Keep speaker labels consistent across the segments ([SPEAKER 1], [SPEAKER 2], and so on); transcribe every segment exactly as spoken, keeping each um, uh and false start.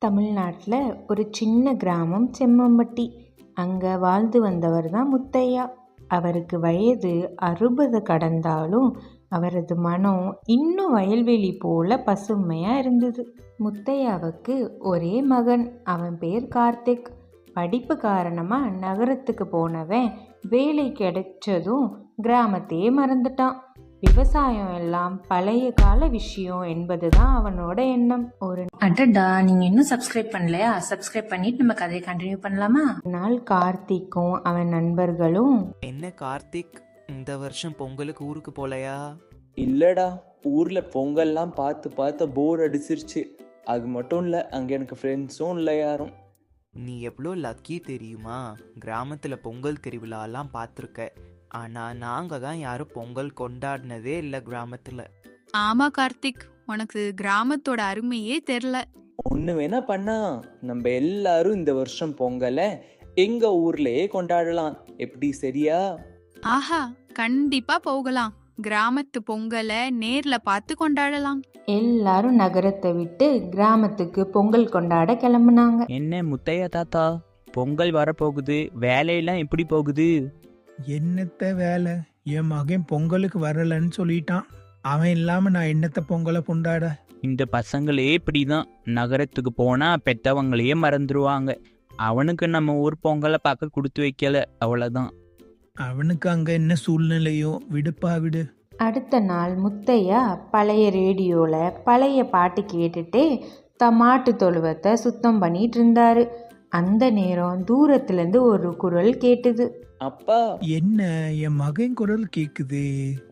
[SPEAKER 1] தமிழ்நாட்டில் ஒரு சின்ன கிராமம் செம்மம்பட்டி. அங்கே வாழ்ந்து வந்தவர் தான் முத்தையா. அவருக்கு வயது அறுபது கடந்தாலும் அவரது மனம் இன்னும் வயல்வெளி போல பசுமையாக இருந்தது. முத்தையாவுக்கு ஒரே மகன். அவன் பேர் கார்த்திக். படிப்பு காரணமாக நகரத்துக்கு போனவன் வேலை கிடைச்சதும் கிராமத்தையே மறந்துட்டான். விவசாயம் எல்லாம் பழைய கால விஷயம் என்பதுதான் அவனோட எண்ணம். ஒரு
[SPEAKER 2] அடடா, நீங்க இன்னும் சப்ஸ்கிரைப் பண்ணலையா? சப்ஸ்கிரைப் பண்ணிட்டு நம்ம கதையை கண்டினியூ பண்ணலாமா?
[SPEAKER 1] நாள் கார்த்திக்கும் அவன் நண்பர்களும்,
[SPEAKER 3] என்ன கார்த்திக், இந்த வருஷம் பொங்கலுக்கு ஊருக்கு போலையா?
[SPEAKER 4] இல்லடா, ஊர்ல பொங்கல்லாம் பார்த்து பார்த்து போர் அடிச்சிருச்சு. அது மட்டும் இல்லை, அங்கே எனக்கு ஃப்ரெண்ட்ஸும் இல்லை யாரும்.
[SPEAKER 3] நீ எவ்வளோ லக்கி தெரியுமா? கிராமத்தில் பொங்கல் திருவிழாலாம் பார்த்துருக்க. ஆனால் நாங்கள் தான் யாரும் பொங்கல் கொண்டாடினதே இல்லை கிராமத்தில்.
[SPEAKER 5] ஆமா கார்த்திக், உனக்கு கிராமத்தோட அருமையே தெரியல.
[SPEAKER 4] ஒன்று வேணா பண்ணா, நம்ம எல்லாரும் இந்த வருஷம் பொங்கலை எங்க ஊர்லயே கொண்டாடலாம். எப்படி, சரியா?
[SPEAKER 5] ஆஹா, கண்டிப்பா போகலாம். கிராமத்து பொங்கலை நேர்ல பார்த்து கொண்டாடலாம்.
[SPEAKER 1] எல்லாரும் நகரத்தை விட்டு கிராமத்துக்கு பொங்கல் கொண்டாட கிளம்புனாங்க.
[SPEAKER 6] என்ன முத்தையா தாத்தா, பொங்கல் வரப்போகுது, வேலையெல்லாம் எப்படி போகுது?
[SPEAKER 7] என்னத்த வேலை, என் மகன் பொங்கலுக்கு வரலன்னு சொல்லிட்டான். அவன் இல்லாம நான் என்னத்த பொங்கலை கொண்டாட?
[SPEAKER 6] இந்த பசங்களே இப்படிதான், நகரத்துக்கு போனா பெத்தவங்களையே மறந்துடுவாங்க. அவனுக்கு நம்ம ஊர் பொங்கலை பார்க்க கொடுத்து வைக்கல, அவ்வளவுதான்.
[SPEAKER 7] அவனுக்கு அங்க என்ன சூழ்நிலையோ, விடுப்பா விடு.
[SPEAKER 1] அடுத்த நாள் முத்தையா பழைய ரேடியோல பழைய பாட்டு கேட்டுட்டே த மாட்டு தொழுவத்தை சுத்தம் பண்ணிட்டு இருந்தாரு. அந்த நேரம் தூரத்துலேருந்து ஒரு குரல் கேட்டுது.
[SPEAKER 4] அப்பா,
[SPEAKER 7] என்ன, என் மகன் குரல் கேக்குது.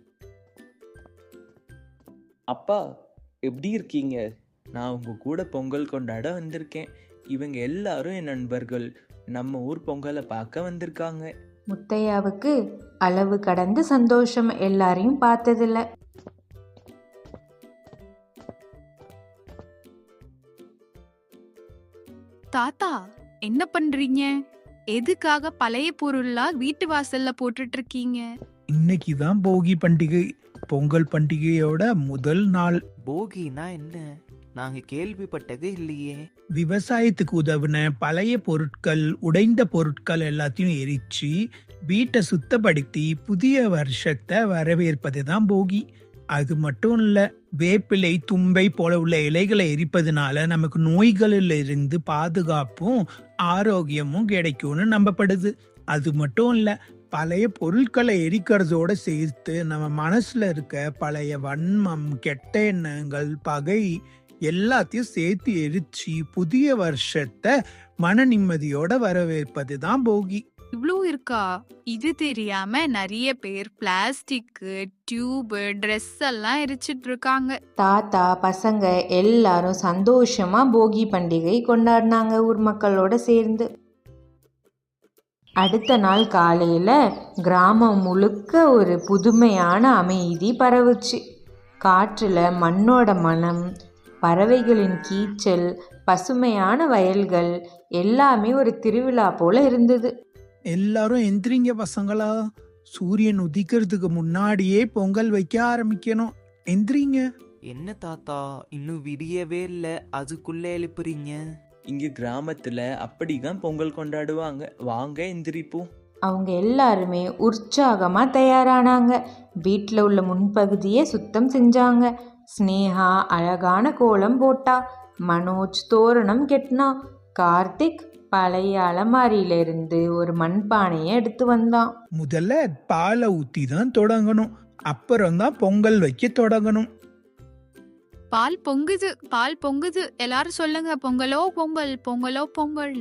[SPEAKER 4] அப்பா எப்படி இருக்கீங்க? நான் உங்க கூட பொங்கல் கொண்டாட வந்திருக்கேன். இவங்க எல்லாரும் என் நண்பர்கள். நம்ம ஊர் பொங்கலை பார்க்க வந்திருக்காங்க.
[SPEAKER 1] முத்தையாவுக்கு அளவு கடந்த சந்தோஷம். எல்லாரையும் பார்த்ததில்ல.
[SPEAKER 5] தாத்தா, என்ன பண்றீங்க? எதுக்காக பழைய பொருள்லாம் வீட்டு வாசல்ல போட்டுட்டு இருக்கீங்க?
[SPEAKER 7] இன்னைக்குதான் போகி பண்டிகை, பொங்கல் பண்டிகையோட முதல் நாள்.
[SPEAKER 3] போகினா என்ன? நாங்கள் கேள்விப்பட்டதே இல்லையே.
[SPEAKER 7] விவசாயத்துக்கு உதவுன பழைய பொருட்கள், உடைந்த பொருட்கள் எல்லாத்தையும் எரிச்சு வீட்டை சுத்தப்படுத்தி புதிய வருஷத்தை வரவேற்பது தான் போகி. அது மட்டும் இல்ல, வேப்பிலை, தும்பை போல உள்ள இலைகளை எரிப்பதனால நமக்கு நோய்களில் இருந்து பாதுகாப்பும் ஆரோக்கியமும் கிடைக்கும்னு நம்பப்படுது. அது மட்டும் இல்ல, பழைய பொருட்களை எரிக்கிறதோட சேர்த்து நம்ம மனசுல இருக்க பழைய வன்மம், கெட்ட எண்ணங்கள், பகை எல்லாத்தையும் சேர்த்து எரிச்சு புதிய வருஷத்தை மன நிம்மதியோட வரவேற்பது தான் போகி.
[SPEAKER 5] இவ்வளோ இருக்கா? இது தெரியாம நிறைய பேர் பிளாஸ்டிக், டியூப், ட்ரெஸ் எல்லாம் எரிச்சிட்டு இருக்காங்க.
[SPEAKER 1] தாத்தா பசங்க எல்லாரும் சந்தோஷமா போகி பண்டிகை கொண்டாடினாங்க ஊர் மக்களோட சேர்ந்து. அடுத்த நாள் காலையில கிராமம் முழுக்க ஒரு புதுமையான அமைதி பரவுச்சு. காற்றுல மண்ணோட மனம், பறவைகளின் கீச்சல், பசுமையான வயல்கள் எல்லாமே ஒரு திருவிழா போல இருந்தது.
[SPEAKER 7] எல்லாரும் எந்திரிங்க பசங்களா, சூரியன் உதிக்கிறதுக்கு முன்னாடியே பொங்கல் வைக்க ஆரம்பிக்கணும். எந்திரிங்க.
[SPEAKER 3] என்ன தாத்தா, இன்னும் விடியவே இல்லை, அதுக்குள்ளே எழுப்புறீங்க?
[SPEAKER 4] இங்க கிராமத்துல அப்படிதான் பொங்கல் கொண்டாடுவாங்க. வாங்க எந்திரிப்போம்.
[SPEAKER 1] அவங்க எல்லாருமே உற்சாகமா தயாரானாங்க. வீட்டில் உள்ள முன்பகுதியை சுத்தம் செஞ்சாங்க. ஸ்னேகா அழகான கோலம் போட்டா. மனோஜ் தோரணம் கெட்டினா. கார்த்திக் பழைய அலமாரியிலிருந்து ஒரு மண்பானையை எடுத்து வந்தான்.
[SPEAKER 7] முதல்ல பாலை ஊத்தி தான் தொடங்கணும், அப்புறம் தான் பொங்கல் வைக்க தொடங்கணும்.
[SPEAKER 5] பால் பொங்குது, பால் பொங்குது. எல்லாரும் சொல்லுங்க, பொங்கலோ பொங்கல், பொங்கலோ பொங்கல்.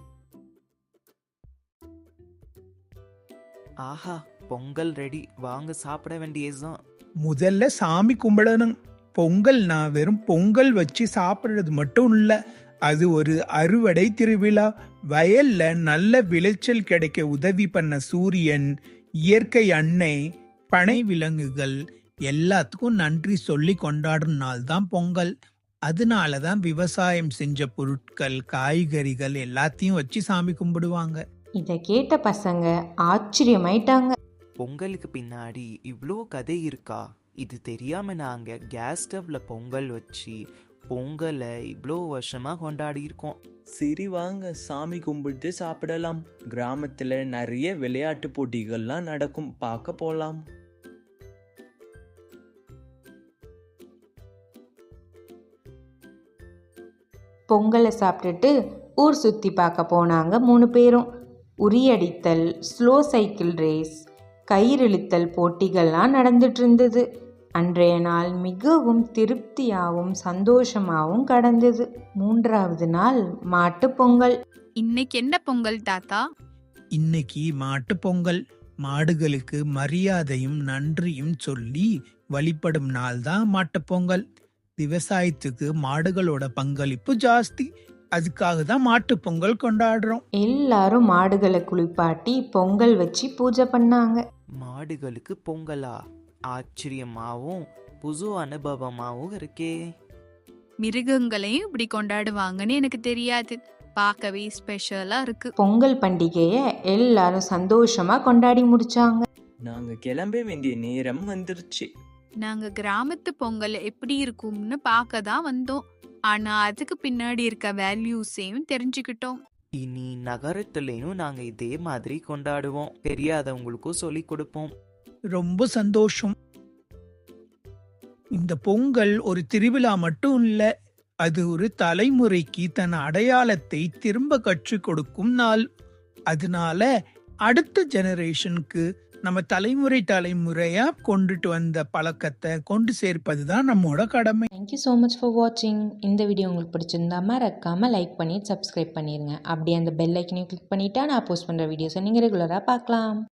[SPEAKER 3] ஆஹா, பொங்கல் ரெடி, வாங்க சாப்பிட வேண்டியதுதான்.
[SPEAKER 7] முதல்ல சாமி கும்பிடணும். பொங்கல்னா வெறும் பொங்கல் வச்சு சாப்பிடுறது மட்டும் இல்ல, அது ஒரு அறுவடை திருவிழா. வயல்ல நல்ல விளைச்சல் கிடைக்க உதவி பண்ண சூரியன், இயற்கை அன்னை, பனை விலங்குகள் எல்லாத்துக்கும் நன்றி சொல்லி கொண்டாடும் நாள் தான் பொங்கல். அதனாலதான் விவசாயம் செஞ்ச பொருட்கள், காய்கறிகள் எல்லாத்தையும் வச்சு சாமி கும்பிடுவாங்க.
[SPEAKER 1] இதை கேட்ட பசங்க ஆச்சரியமாயிட்டாங்க.
[SPEAKER 3] பொங்கலுக்கு பின்னாடி இவ்வளோ கதை இருக்கா? இது தெரியாம நாங்க கேஸ் ஸ்டவ்ல பொங்கல் வச்சு பொங்கலை இவ்வளோ வருஷமாக கொண்டாடி இருக்கோம்.
[SPEAKER 4] சரி வாங்க சாமி கும்பிட்டு சாப்பிடலாம். கிராமத்தில் நிறைய விளையாட்டு போட்டிகள்லாம் நடக்கும், பார்க்க போகலாம்.
[SPEAKER 1] பொங்கலை சாப்பிட்டுட்டு ஊர் சுற்றி பார்க்க போனாங்க மூணு பேரும். உரியடித்தல், ஸ்லோ சைக்கிள் ரேஸ், கயிறிழுத்தல் போட்டிகள்லாம் நடந்துட்டு இருந்தது. அன்றைய நாள் மிகவும் திருப்தியாகவும் சந்தோஷமாகவும் கடந்தது. மூன்றாவது நாள் மாட்டு பொங்கல்.
[SPEAKER 5] இன்னைக்கு என்ன பொங்கல் தாத்தா?
[SPEAKER 7] இன்னைக்கு மாட்டு பொங்கல். மாடுகளுக்கு மரியாதையும் நன்றியும் சொல்லி வழிபடும் நாள் தான் மாட்டுப் பொங்கல். விவசாயத்துக்கு மாடுகளோட பங்களிப்பு ஜாஸ்தி, அதுக்காக தான் மாட்டு பொங்கல் கொண்டாடுறோம்.
[SPEAKER 1] எல்லாரும் மாடுகளை குளிப்பாட்டி பொங்கல் வச்சு பூஜை பண்ணாங்க.
[SPEAKER 3] மாடுகளுக்கு பொங்கலா? ஆச்சரியமாகவும் புது அனுபவமாகவும் இருக்கே.
[SPEAKER 5] மிருகங்களையும் இப்படி கொண்டாடுவாங்கன்னு எனக்கு தெரியாது. பார்க்கவே ஸ்பெஷலா இருக்கு.
[SPEAKER 1] பொங்கல் பண்டிகையை எல்லாரும் சந்தோஷமா கொண்டாடி முடிச்சாங்க.
[SPEAKER 4] நாங்க கிளம்ப வேண்டிய நேரம் வந்துருச்சு.
[SPEAKER 5] நாங்க கிராமத்து பொங்கல் எப்படி இருக்கும்னு பார்க்க தான் வந்தோம். ஆனா அதுக்கு பின்னாடி இருக்க வேல்யூஸையும் தெரிஞ்சுக்கிட்டோம்.
[SPEAKER 3] இனி நகரத்துலேயும் நாங்கள் இதே மாதிரி கொண்டாடுவோம். தெரியாதவங்களுக்கும் சொல்லி கொடுப்போம்.
[SPEAKER 7] ரொம்ப சந்தோஷம். இந்த பொங்கல் ஒரு திருவிழா மட்டும் இல்ல, அது ஒரு தலைமுறைக்கு தன் அடையாளத்தை திரும்ப கற்றுக் கொடுக்கும் நாள். அதனால அடுத்த ஜெனரேஷனுக்கு நம்ம தலைமுறை தலைமுறையா கொண்டுட்டு வந்த பழக்கத்தை கொண்டு சேர்ப்பதுதான் நம்மோட கடமை.
[SPEAKER 1] தேங்க்யூ ஸோ மச் ஃபார் வாட்சிங். இந்த வீடியோ உங்களுக்கு பிடிச்சிருந்தா மறக்காம லைக் பண்ணி சப்ஸ்கிரைப் பண்ணிடுங்க. அப்படியே அந்த பெல் ஐக்கனையும் கிளிக் பண்ணிட்டா நான் போஸ்ட் பண்ணுற வீடியோஸை நீங்கள் ரெகுலராக பார்க்கலாம்.